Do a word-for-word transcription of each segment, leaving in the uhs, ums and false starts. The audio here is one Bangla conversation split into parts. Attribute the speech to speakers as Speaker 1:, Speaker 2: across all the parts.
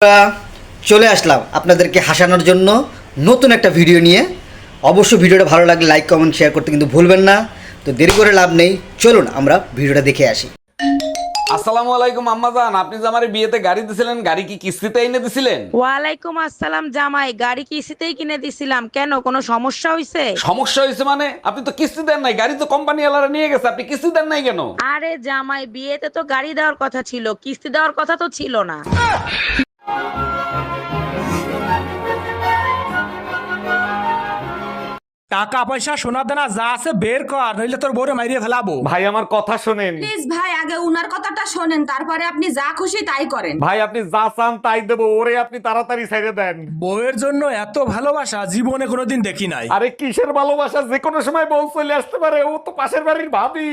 Speaker 1: আমরা চলে আসলাম আপনাদেরকে হাসানোর জন্য নতুন একটা ভিডিও নিয়ে। অবশ্যই ভিডিওটা ভালো লাগলে লাইক কমেন্ট শেয়ার করতে কিন্তু ভুলবেন না। তো দেরি করে লাভ নেই, চলুন আমরা ভিডিওটা দেখে আসি।
Speaker 2: আসসালামু আলাইকুম আম্মাজান, আপনি যে আমার বিয়েতে গাড়ি দিছিলেন, গাড়ি কি কিস্তিতে এনে দিছিলেন?
Speaker 3: ওয়ালাইকুম আসসালাম জামাই, গাড়ি কিস্তিতেই কিনে দিছিলাম। কেন, কোনো সমস্যা হয়েছে?
Speaker 2: সমস্যা হয়েছে মানে? আপনি তো কিস্তি দেন নাই, গাড়ি তো কোম্পানি ওয়ালারা নিয়ে গেছে, আপনি কিস্তি দেন নাই কেন?
Speaker 3: আরে জামাই, বিয়েতে তো গাড়ি দেওয়ার কথা ছিল, কিস্তি দেওয়ার কথা তো ছিল না।
Speaker 4: টাকা পয়সা সোনা দানা যা আছে বের কর, নইলে তোর বউরে মাইরিয়ে ফেলাবো।
Speaker 2: ভাই আমার কথা শোনেন।
Speaker 5: প্লিজ ভাই, আগে উনার কথাটা শোনেন, তারপরে আপনি যা খুশি তাই করেন।
Speaker 2: ভাই আপনি যা চান তাই দেবো, ওরে আপনি তাড়াতাড়ি ছেড়ে দেন।
Speaker 4: বউয়ের জন্য এত ভালোবাসা জীবনে কোনোদিন দেখি নাই।
Speaker 2: আরে কিসের ভালোবাসা, যে কোনো সময় বউ চলে আসতে পারে, ও তো পাশের বাড়ির ভাবি।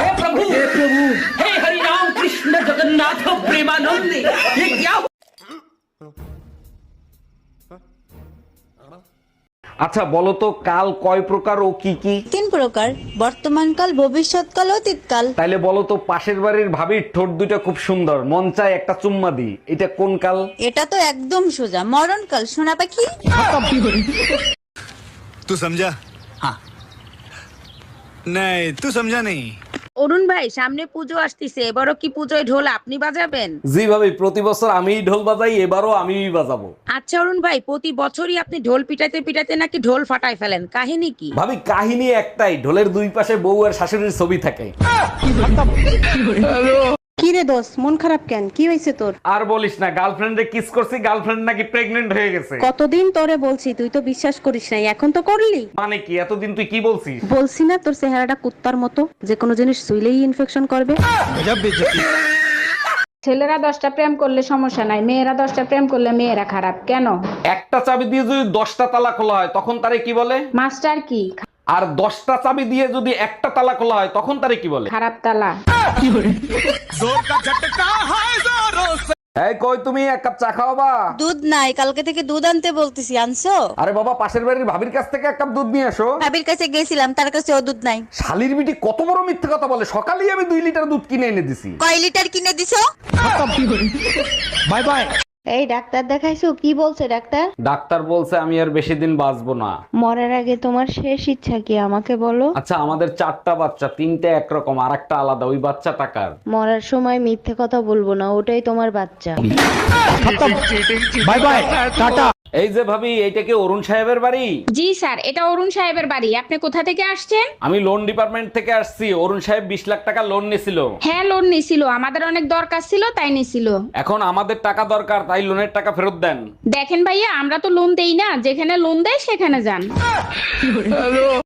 Speaker 2: আচ্ছা বলো তো, কাল কয় প্রকার ও কি কি?
Speaker 6: তিন প্রকার: বর্তমানকাল, ভবিষ্যৎকাল, অতীতকাল।
Speaker 2: তাইলে বলো তো, পাশের বাড়ির ভাবির ঠোঁট দুইটা খুব সুন্দর, মন চায় একটা চুম্মা দি, এটা কোন কাল?
Speaker 6: এটা তো একদম সোজা, মরণকাল। সোনা পাখি।
Speaker 7: तू समझा? हाँ नहीं, तू समझा नहीं।
Speaker 3: অরুণ ভাই, সামনে পুজো আসতেছে, এবারও কি পুজোয় ঢোল আপনি বাজাবেন?
Speaker 2: জি ভাবি, প্রতি বছর আমিই ঢোল বাজাই, এবারও আমিই বাজাবো।
Speaker 3: আচ্ছা অরুণ ভাই, প্রতি বছরই আপনি ঢোল পিটাইতে পিটাইতে নাকি ঢোল ফাটাই ফেলেন, কাহিনী কি?
Speaker 2: ভাবি কাহিনী একটাই, ঢোলের দুই পাশে বউ আর শাশুড়ির ছবি থাকে।
Speaker 8: কি রে দোষ, মন খারাপ কেন? কি হয়েছে তোর?
Speaker 2: আর বলিস না, গার্লফ্রেন্ডে কিস করছি, গার্লফ্রেন্ড নাকি প্রেগনেন্ট হয়ে গেছে।
Speaker 8: কতদিন তোরে বলছি, তুই তো বিশ্বাস করিস নাই, এখন তো করলি।
Speaker 2: মানে কি, এতদিন তুই কি বলছিস?
Speaker 8: বলছি না তোর চেহারাটা কুত্তার মতো, যে কোনো জিনিস শুইলেই ইনফেকশন করবে।
Speaker 9: ছেলেরা দশটা প্রেম করলে সমস্যা নাই, মেয়েরা দশটা প্রেম করলে মেয়েরা খারাপ কেন?
Speaker 2: একটা চাবি দিয়ে যদি দশটা তালা খোলা হয়, তখন তারে কি বলে?
Speaker 9: মাস্টার কি?
Speaker 2: আর দশটা চাবি দিয়ে যদি একটা তালা খোলা হয়, তখন তারে কি বলে?
Speaker 9: খারাপ তালা।
Speaker 2: এই কই তুমি, এক কাপ চা খাওয়াবা?
Speaker 6: দুধ নাই, কালকে থেকে দুধ আনতে বলতেছি, আনছো?
Speaker 2: আরে বাবা, পাশের বাড়ির ভাবির কাছ থেকে এক কাপ দুধ নিয়ে আসো।
Speaker 6: ভাবির কাছে গেছিলাম, তার কাছে ও দুধ নাই।
Speaker 2: শালির বিটি কত বড় মিথ্যে কথা বলে, সকালেই আমি দুই লিটার দুধ কিনে এনে দিছি।
Speaker 6: কয় লিটার কিনে দিছো?
Speaker 4: Bye bye.
Speaker 8: এই ডাক্তার দেখাইছো? কি বলছে ডাক্তার?
Speaker 2: ডাক্তার বলছে আমি আর বেশি দিন বাঁচবো না।
Speaker 8: মরার আগে তোমার শেষ ইচ্ছা কি আমাকে বলো?
Speaker 2: আচ্ছা, আমাদের চারটা বাচ্চা, তিনটে একরকম আর একটা আলাদা, ওই বাচ্চা টাকার।
Speaker 8: মরার সময় মিথ্যে কথা বলবো না, ওটাই তোমার বাচ্চা।
Speaker 4: Bye bye, tata.
Speaker 2: এই যে ভাবি, এইটা কি অরুণ সাহেবের বাড়ি?
Speaker 9: জি স্যার, এটা অরুণ সাহেবের বাড়ি। আপনি কোথা থেকে আসছেন?
Speaker 2: আমি লোন ডিপার্টমেন্ট থেকে আসছি। অরুণ সাহেব বিশ লাখ টাকা লোন নিছিল।
Speaker 9: হ্যাঁ, লোন নিছিল, আমাদের অনেক দরকার ছিল তাই নিছিল।
Speaker 2: এখন আমাদের টাকা দরকার, তাই লোনের টাকা ফেরত দেন।
Speaker 9: দেখেন ভাইয়া, আমরা তো লোন দেই না, যেখানে লোন দেয় সেখানে যান।